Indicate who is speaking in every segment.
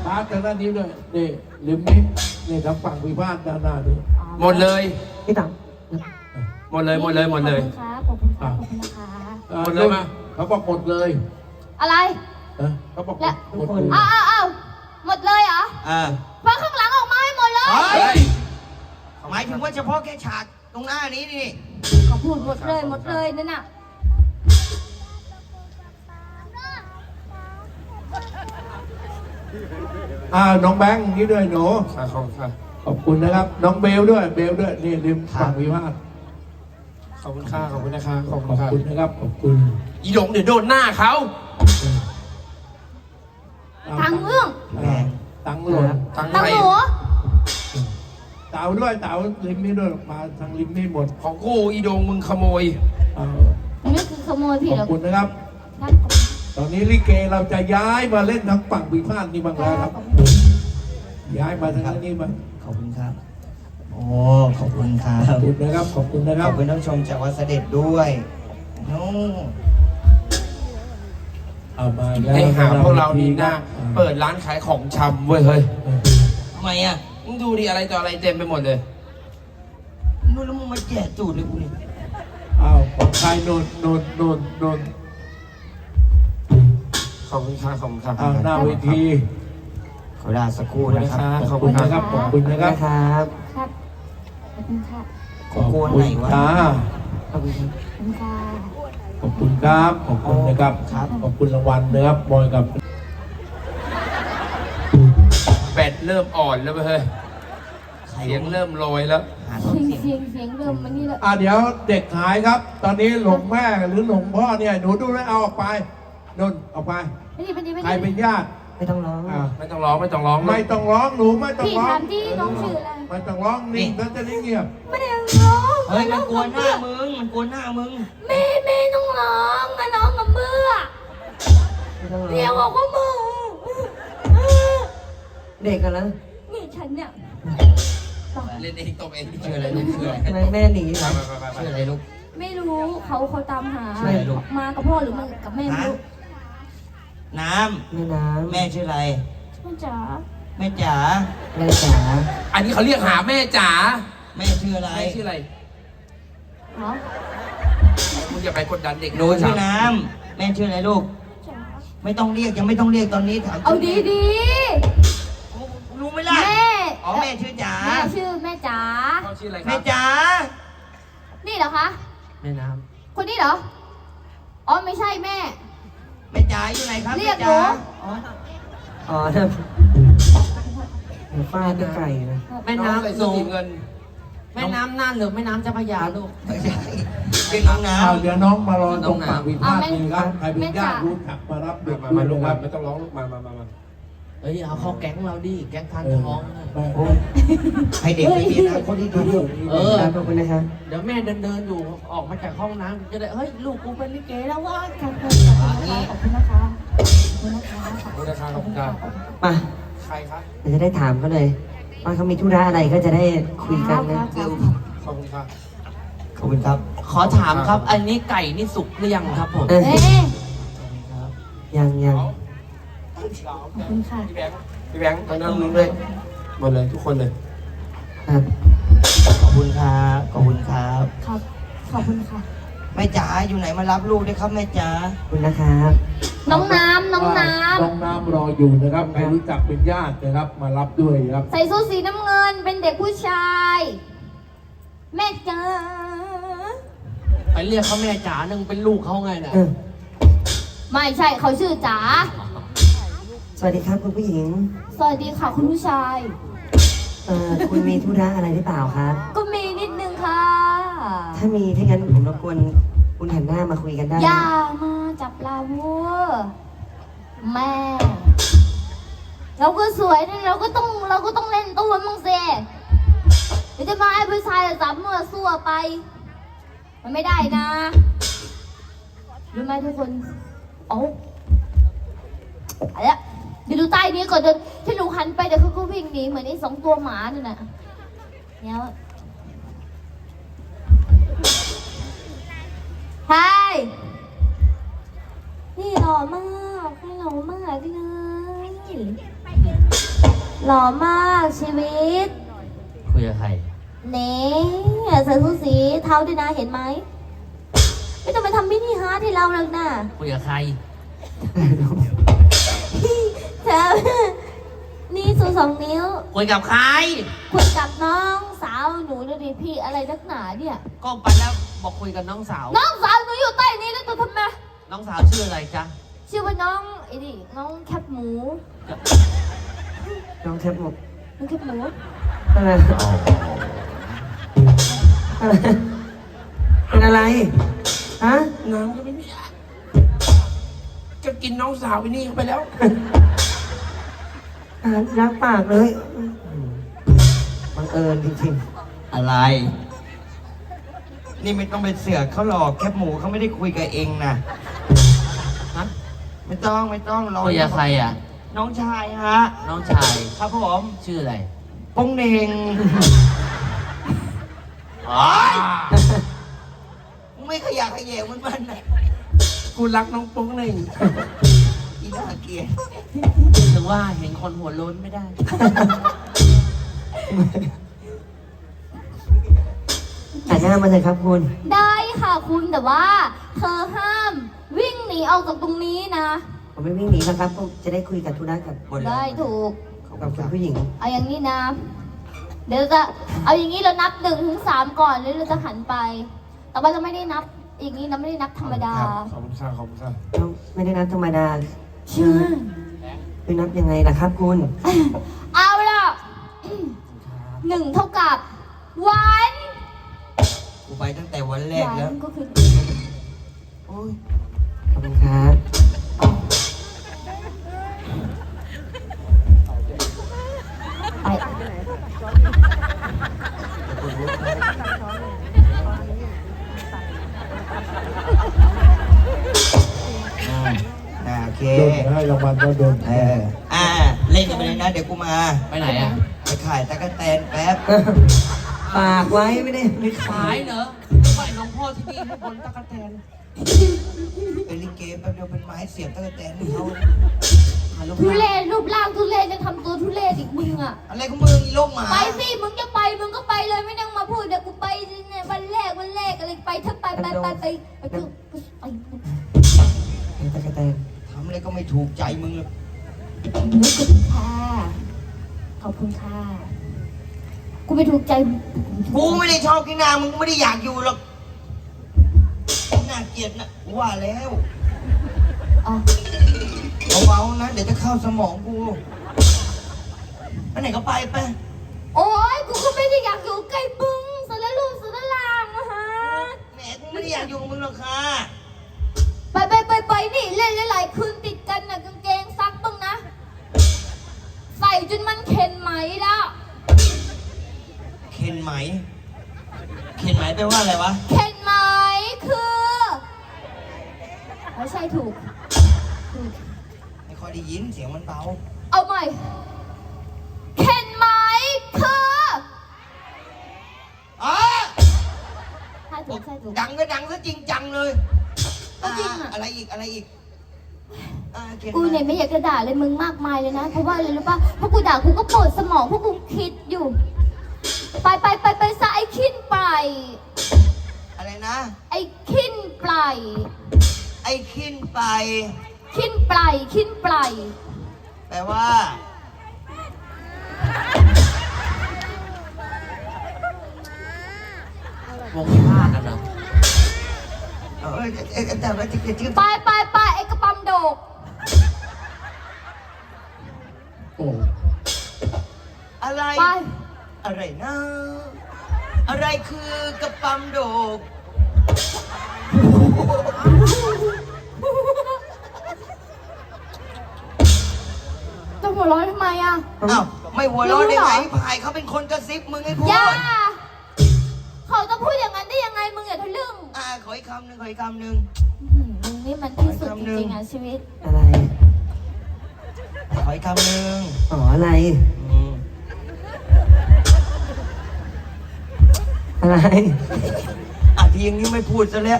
Speaker 1: พาร์ทด้านนี้ด้วยนี่ริมนี้นี่ทางฝั่งวิพากษ์ด้านหน้าด้วย
Speaker 2: หมดเลย
Speaker 3: พี่ตัง
Speaker 2: หมดเลยหมดเลยหมดเลย
Speaker 4: ขอบคุณครับขอบคุณนะคะ
Speaker 2: หมดเลยมา
Speaker 1: เขาบอกหมดเลย
Speaker 4: อะไร
Speaker 1: เขาบอกหม
Speaker 4: และ
Speaker 1: ดหมดเลย
Speaker 4: เอาหมดเลยเหรอ เพราะข้างหลังออกมาให้หมดเลย
Speaker 2: เฮ้ย
Speaker 5: หมายถึงว่าเฉพาะแค่ฉากตรงหน้านี้นี่
Speaker 4: เขาพูดหมดเลยนั่นน่ะ
Speaker 1: น้องแบงค์นี่ด้วยหนู ขอบคุณนะครับ น้องเบลด้วยนี่ริมฝั่งวิพากษ์
Speaker 2: ขอบคุณค่ะขอบคุณนะคะขอบ
Speaker 1: ขอบ
Speaker 2: คุณ
Speaker 1: คุณนะครับขอบคุณ
Speaker 2: อีหลงเดี๋ยวโดนหน้าเขา
Speaker 4: ตังเรื่อง
Speaker 1: ตังหล่น
Speaker 2: ตัง
Speaker 4: ตัง
Speaker 2: ไทย
Speaker 4: หนู
Speaker 1: เต่าด้วยเต่าริมนี้ด้วยมาทางริมนี้หมด
Speaker 2: ของกูอีโดงมึงขโมย
Speaker 4: นี่คือขโมยพี่
Speaker 1: ขอ
Speaker 4: เหร
Speaker 1: บ
Speaker 4: อ
Speaker 1: คุณนะครับ ตอนนี้ลิเกเราจะย้ายมาเล่นทางฝั่งวิพากษ์นี่บ้างแล้วครับ ย้ายมาทางนี้บ้าง
Speaker 5: ขอบคุณครับ โอ้ขอบคุณครั
Speaker 1: ขอบบ คุณนะครับขอบคุณนะค
Speaker 5: ข
Speaker 1: รั
Speaker 5: อ
Speaker 1: บบ
Speaker 5: คุณท่านผู้ชมจากวัดเสด็จด้วยโน้
Speaker 1: เอามาแล้ว
Speaker 2: ให้หาพวกเรานี่หน้าเปิดร้านขายของชำเว้ยเฮ้ย
Speaker 5: ทำไมอ่ะ
Speaker 2: มึงดูดิอะไรต่ออะไรเต็มไปหมดเลย
Speaker 5: นู่นแล้วมึงมาแจกจูดเลยกูนี่
Speaker 1: อ้าวของใครโนน
Speaker 2: ขอบคุณค่ะขอบคุณค่ะ
Speaker 1: อ้าวหน้าเวที
Speaker 5: ขอเวลาสักครู่นะครับ
Speaker 1: ขอบคุณนะครับขอบคุณนะครับ
Speaker 3: ครับ
Speaker 4: ครับขอบคุณค่ะ
Speaker 1: ขอบคุณค่ะ
Speaker 3: ขอบคุณครับ
Speaker 4: ขอบคุณค่ะ
Speaker 1: ขอบคุณครับขอบคุณนะครับขอบคุณรางวัลนะครับบอยกับ
Speaker 2: แบตเริ่มอ่อนแล้วเว้ยเฮ้ยเสียงเริ่มลอยแล้ว
Speaker 5: หาต้นเสียง
Speaker 4: เสียงเริ่มมันนี่แล้ว
Speaker 1: เดี๋ยวเด็กหายครับ ตอนนี้หลงแม่หรือหลงพ่อเนี่ยหนูดูแลเอาออกไปนนออกไป
Speaker 4: ไม่ดี
Speaker 1: ใครเป็นญาติ
Speaker 3: ไม่ต้องร้อง
Speaker 2: ไม่ต้องร้องไม่ต้องร้อง
Speaker 1: ไม่ต้องร้องหนูไม่ต้อง
Speaker 4: พี่
Speaker 1: ร้อง
Speaker 4: ถามที่น้องชื่ออะไร
Speaker 1: ไม่ต้องร้องนิ่งแล้วจะได้เงียบ
Speaker 4: ไม่ได้ร้อง
Speaker 5: เฮ้ยมันกวนหน้ามึง มันกวนหน้ามึง
Speaker 4: ไม่ต้องร้องมาน้องกับมือ
Speaker 3: ไม่ต้องร้
Speaker 4: เรียก
Speaker 3: อง
Speaker 4: บอกว่ามือ
Speaker 3: เด็กกันแล้ว
Speaker 4: นี่ฉันเนี่ย
Speaker 2: เล่นเองตบเอง
Speaker 5: ชื่ออะไรลูกชื่ออะไร
Speaker 3: ทำไมแม่หนี
Speaker 2: ไป
Speaker 3: ล่ะ
Speaker 2: ไป
Speaker 5: ชื่ออะไรลูก
Speaker 4: ไม่รู้เขาตามหา
Speaker 5: ใช่ลูก
Speaker 4: มากับพ่อหรือมากับแม่ไม่
Speaker 5: ฮะ
Speaker 4: รู้
Speaker 5: น้
Speaker 3: แม่น้
Speaker 5: ำ แม่ชื่ออะไร
Speaker 4: พ่อจ๋า
Speaker 5: แม่จ๋า
Speaker 3: ำแม่จ๋า
Speaker 2: อันนี้เขาเรียกหาแม่จ๋า
Speaker 5: แม่ชื่ออะไร
Speaker 2: แม่ชื่ออะไร
Speaker 4: เหรอ
Speaker 2: มึงอย่าไปกดดันเด็ก
Speaker 5: หนูชื่อน้ำ แม่ชื่ออะไรลูก
Speaker 4: จ๋า
Speaker 5: ไม่ต้องเรียกยังไม่ต้องเรียกตอนนี้ถาม
Speaker 4: เอาดี
Speaker 5: รู้ไหม
Speaker 4: ๆ
Speaker 5: ล่ะ
Speaker 4: แม่
Speaker 5: อ๋อแม่ชื่อจ๋า
Speaker 4: แม่ชื่อแม่จ๋า
Speaker 2: เขาชื่ออะไรค
Speaker 5: แม่
Speaker 2: รับ
Speaker 5: จ๋า
Speaker 4: นี่เหรอคะ
Speaker 3: แม่น้
Speaker 4: คนนี้เหรอ อ๋อไม่ใช่แม่
Speaker 5: แม่จ๋าอยู่ไหนครับ
Speaker 4: เรียก
Speaker 5: แม่จ๋า
Speaker 4: หนู
Speaker 5: อ๋อ
Speaker 3: ำอ๋อฟาดด้วยไก่นะ
Speaker 6: แม่
Speaker 2: น้องใส่
Speaker 6: น้ำ
Speaker 2: เสื้อสีเงิน
Speaker 6: แม่น้ำน่านหรือแม่น้ำเจ้าพระยาลูก
Speaker 5: ไม่ใช่เป็นน้องน้
Speaker 1: เอาเดี๋ยวน้องมารอตรงฝั่งวิพากษ์นี่ครับใครเป็นญาติรู้จักมารับเด็ก
Speaker 2: มา
Speaker 1: ด้วย
Speaker 2: ลูก
Speaker 1: นะค
Speaker 2: มา
Speaker 1: รับ
Speaker 2: ไม่ต้องร้องลูกมา
Speaker 6: เฮ้ยเอาเข้าแก๊งเราดิ แก๊งทานท้องนะ
Speaker 1: ไม่
Speaker 5: ำให้เด็กไปเรียนนะคนที่ดี
Speaker 6: เออ
Speaker 3: ขอบคุณนะครับ
Speaker 6: เดี๋ยวแม่เดินอยู่ออกมาจากห้องน้ำจะได้ เฮ้ย ลูกกูเป็นลิเกแล้ววะ
Speaker 4: ขอบคุณนะคะขอบคุณนะคะ
Speaker 2: ขอบคุณนะครับขอบคุณครับ
Speaker 3: มา
Speaker 2: ใครครับ
Speaker 3: เดี๋ยวจะได้ถามเขาเลย ว่าเขามีธุระอะไรก็จะได้คุยกันนะ
Speaker 5: เร็ว
Speaker 2: ขอบคุณครับ
Speaker 5: ขอบคุณครับ
Speaker 6: ขอถามครับ อันนี้ไก่นี่สุกหรือยังครับผม
Speaker 3: เออ
Speaker 4: เอ๊ะ
Speaker 3: ยัง
Speaker 4: ขอบคุณค่ะ
Speaker 2: พี่แบงค์ตอนนั้นลุงด้วยหมดเลยทุกคนเลย
Speaker 3: ครับ
Speaker 5: ขอบคุณครับ ขอบคุณครับ
Speaker 4: ครับ ขอบคุณค่ะ
Speaker 5: แม่จ๋าอยู่ไหนมารับลูกด้วยครับแม่จ๋า
Speaker 3: ขอบคุณนะครับ
Speaker 4: น้องน้ำ
Speaker 1: น้องน้ำรออยู่นะครับใครรู้จักเป็นญาตินะครับ มารับด้วยครับ
Speaker 4: ใส่สูทสีน้ำเงิน เป็นเด็กผู้ชาย แม่จ๋า
Speaker 6: ไปเรียกเขาแม่จ๋านึงเป็นลูกเขาไงน่ะ
Speaker 3: เออ
Speaker 4: ไม่ใช่เขาชื่อจ๋า
Speaker 3: สวัสดีครับคุณผู้หญิง
Speaker 4: สวัสดีค่ะคุณผู้ชาย
Speaker 3: คุณมีธุระอะไรหรือเปล่าครับ
Speaker 4: ก็มีนิดนึงค่ะ
Speaker 3: ถ้ามีถ้างั้นผมรบกวนคุณหันหน้ามาคุยกันได้
Speaker 4: อย่ามาจับเราวัวแม่ เราก็สวยนะเราก็ต้องเล่นตัวมึงเสียเดี๋ยวจะมาไอ้ผู้ชายจับเมื่อสั่วไป มันไม่ได้นะรู้ไหมทุกคนโอ้อะไรอะเดี๋ยวดูใต้นี้ก่อนเดี๋ยวที่หนูหันไปเดี๋ยวเขาก็วิ่งหนีเหมือนไอ้2 ตัวหมานั่นน่ะเนี่ยใช่นี่หล่อมากให้หล่อมากเลยหล่อมากชีวิต
Speaker 6: คุยกับใคร
Speaker 4: เน่ใส่ชุดสีเทาด้วยนะเห็นไหมไม่ต้องมาทำมินิฮาร์ทให้เราหรอกนะ
Speaker 6: คุยกับใคร
Speaker 4: เธอนี่สู2 นิ้ว
Speaker 6: คุยกับใคร
Speaker 4: คุยกับน้องสาวหนูดูดิพี่อะไรนักหนาเนี่ย
Speaker 6: ก็ไปแล้วบอกคุยกับน้องสาว
Speaker 4: น้องสาวหนูอยู่ใต้นี้แล้วตัวทำไม
Speaker 6: น้องสาวชื่ออะไรจ๊ะ
Speaker 4: ชื่อว่าน้องไอ้ดิน้องแคบหมู
Speaker 3: น้องแคบหมก
Speaker 4: น้องแคบหมู
Speaker 3: อะไรอะไรเป็นอะไรฮะ
Speaker 1: น้ำก็ไม่มีจะกินน้องสาวไอ้นี่เข้าไปแล้ว
Speaker 3: อาหารรักปากเลยบังเอิญจริง
Speaker 5: อะไร นี่ไม่ต้องไปเสือกเขาหรอกแคบหมูเขาไม่ได้คุยกับเองนะ
Speaker 6: ฮะ
Speaker 5: ไม่ต้องรอ
Speaker 6: คุยกับใครอ่ะ
Speaker 5: น้องชายฮะ
Speaker 6: น้องชาย
Speaker 5: ครับผม
Speaker 6: ชื่ออะไร
Speaker 5: ปงเน่งโอ๊ยมึงไม่ขยะแขยงมันนะ
Speaker 1: กูรักน้องโป๊งหนึ่ง
Speaker 5: อีน่าเกลียด
Speaker 6: ถึงว่าเห็นคนหัวโล้นไม่ได้
Speaker 3: ๆแต่หน้ามาเลยครับคุณ
Speaker 4: ได้ค่ะคุณแต่ว่าเธอห้ามวิ่งหนีออกจากตรงนี้นะ
Speaker 3: ผมไม่วิ่งหนีแล้วครับผมจะได้คุยกับธุระกับ
Speaker 4: ได้ถูก
Speaker 3: กับคุณผู้หญิง
Speaker 4: เอาอย่างนี้นะ เดี๋ยวจะเอาอย่างนี้เรานับ1 ถึง 3ก่อนแล้วเราจะหันไป แต่ว่าเราไม่ได้นับอย่างนี้นะไม่ได้นับธรรมดา
Speaker 1: ขอบคุณค่ะขอบคุณค่ะ
Speaker 3: เราไม่ได้นับธรรมดา
Speaker 4: เชื่อ
Speaker 3: คือนับยังไงล่ะครับคุณ
Speaker 4: เอาล่ะ 1 เท่ากับวัน
Speaker 5: กูไปตั้งแต่วันแรกแล้ว
Speaker 4: ก็คือ
Speaker 5: โอ้ย
Speaker 3: ขอบคุณครับ
Speaker 4: ไป
Speaker 5: โอเค
Speaker 1: โดนให้รางวัลก็โดน
Speaker 5: เล่นกันไปเลยนะเดี๋ยวกูมา
Speaker 6: ไปไหนอ่ะ
Speaker 5: ไปขายตะกั่วแตนแป๊บ
Speaker 3: ฝากไว้ไม่ได้ไม่
Speaker 6: ขายเหรอไปหลวงพ่อที่นี่ให้บนตะกั่วแตน
Speaker 5: เป็นลิเกแป๊บเดียวเป็นไม้เสียบตะกั่วแตนให้เขา
Speaker 6: หาหลวง
Speaker 4: ทุ
Speaker 6: พ่อ
Speaker 4: เรศรูปร่างทุเรศจะทำตัวทุเรศอีกมึงอ่ะ
Speaker 5: อะไรของมึงอีโลกหมา
Speaker 4: ไปสิมึงจะไปมึงก็ไปเลยไม่ต้องมาพูดเดี๋ยวกูไปเนี่ยวันแรกอะไรไปเถอะไปเถอะไป
Speaker 3: ตะกะแตน
Speaker 5: ทำอะไรก็ไม่ถูกใจมึงเลย
Speaker 4: ขอบคุณค่ะขอบคุณค่ะกูไม่ถูกใจ
Speaker 5: กูไม่ได้ชอบกินนามึงไม่ได้อยากอยู่หรอกน่าเกลียดนะกูว่าแล้ว
Speaker 4: อ๋อ
Speaker 5: เบาๆนะเดี๋ยวจะเข้าสมองกูไปไหนก็ไปไป
Speaker 4: โอ้ยกูก็ไม่ได้อยากอยู่ใกล้มึงสารลูกสารลางนะฮะ
Speaker 5: แหมกูไม่ได้อยากอยู่กับมึงหรอกค่ะ
Speaker 4: ไปนี่เล่นหลายๆคืนติดกันน่ะกางเกงซักบ้างนะ ใส่จนมันเข็นไหมแล้ว
Speaker 5: เข็นไหมเข็นไหมแปลว่าอะไรวะ
Speaker 4: เข็นไหมคือไม่ใช่ถูก
Speaker 5: ไม่ค่อยได้ยินเสียงมันเบา
Speaker 4: เอาใหม่เข็นไหมคือ
Speaker 5: อ๋อ
Speaker 4: ใช่ถูกใช่ถูก
Speaker 5: ดังก็ดังซะจริงจังเลย
Speaker 4: ก็จริงอะ
Speaker 5: อะไรอีกเข็น
Speaker 4: กู
Speaker 5: ไหม
Speaker 4: เนี่ยไม่อยากจะด่าเลยมึงมากมายเลยนะ เพราะว่าอะไรรู้ป่ะเพราะกูด่ากูก็ปวดสมองเพราะกูคิดอยู่ ไปซะไอ้ขิ้นไป
Speaker 5: อะไรนะ
Speaker 4: ไอ้ขิ้นไป
Speaker 5: ไอ้ขึ้นไป
Speaker 4: ขิ้นไป
Speaker 5: แปลว่า
Speaker 6: วงวิพากษ์กันเหรอ
Speaker 5: แต่ว่าจะชื่อ
Speaker 4: ไปไอ้กระปั๊มโดก
Speaker 1: โอ้
Speaker 5: อะไร
Speaker 4: ไป
Speaker 5: อะไรนะ อะไรคือกระปั๊มโดก
Speaker 4: จะหัวเร้อนทำไมอ่ะ
Speaker 5: อ้าวไม่หัวเร้อนได้ไง
Speaker 4: รู้เหรอ
Speaker 5: พายเขาเป็นคนกระซิบมึงให้พูด
Speaker 4: อย่าเขาจะพูดอย่างนั้นได้ยังไงมึงอย่าทะลึ่ง
Speaker 5: ขออีกคำหนึ่งขออีกคำหนึ่ง
Speaker 4: มึงนี่มันที่สุดจริงๆอ่ะชีวิต
Speaker 3: อะไร
Speaker 5: ขออีกคำหนึ่ง
Speaker 3: อ๋ออะไร อะไร
Speaker 5: ทีอย่างนี้ไม่พูดซะแล้ว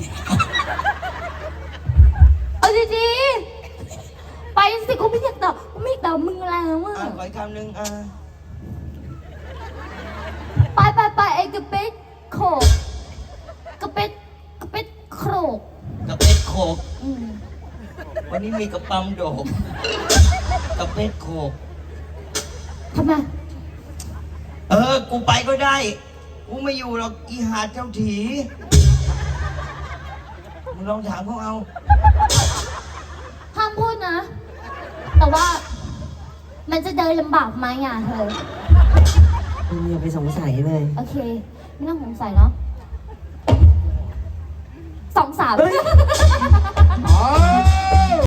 Speaker 4: เอาดีๆไปสิกูไม่อยากตอบกูแล้วอ่ะ
Speaker 5: ขออีกคำหนึ่ง
Speaker 4: ไปไอ้กระเป็ดโขกกระเป็ดโขก
Speaker 5: กระเป็ดโขก
Speaker 4: อืม
Speaker 5: วันนี้มีกระปั๊มโดกกระเป็ดโขก
Speaker 4: ทำไม
Speaker 5: กูไปก็ได้ กูไม่อยู่หรอกอีหาเจ้าถีมึงลองถามเขาเอา
Speaker 4: ห้ามพูดนะ แต่ว่า มันจะเดินลำบากไหมอ่ะเธอ
Speaker 3: มึงอย่าไปสงสัยเลย
Speaker 4: โอเค ไม่ต้องสงสัยเนาะ2-3
Speaker 1: อ๋อ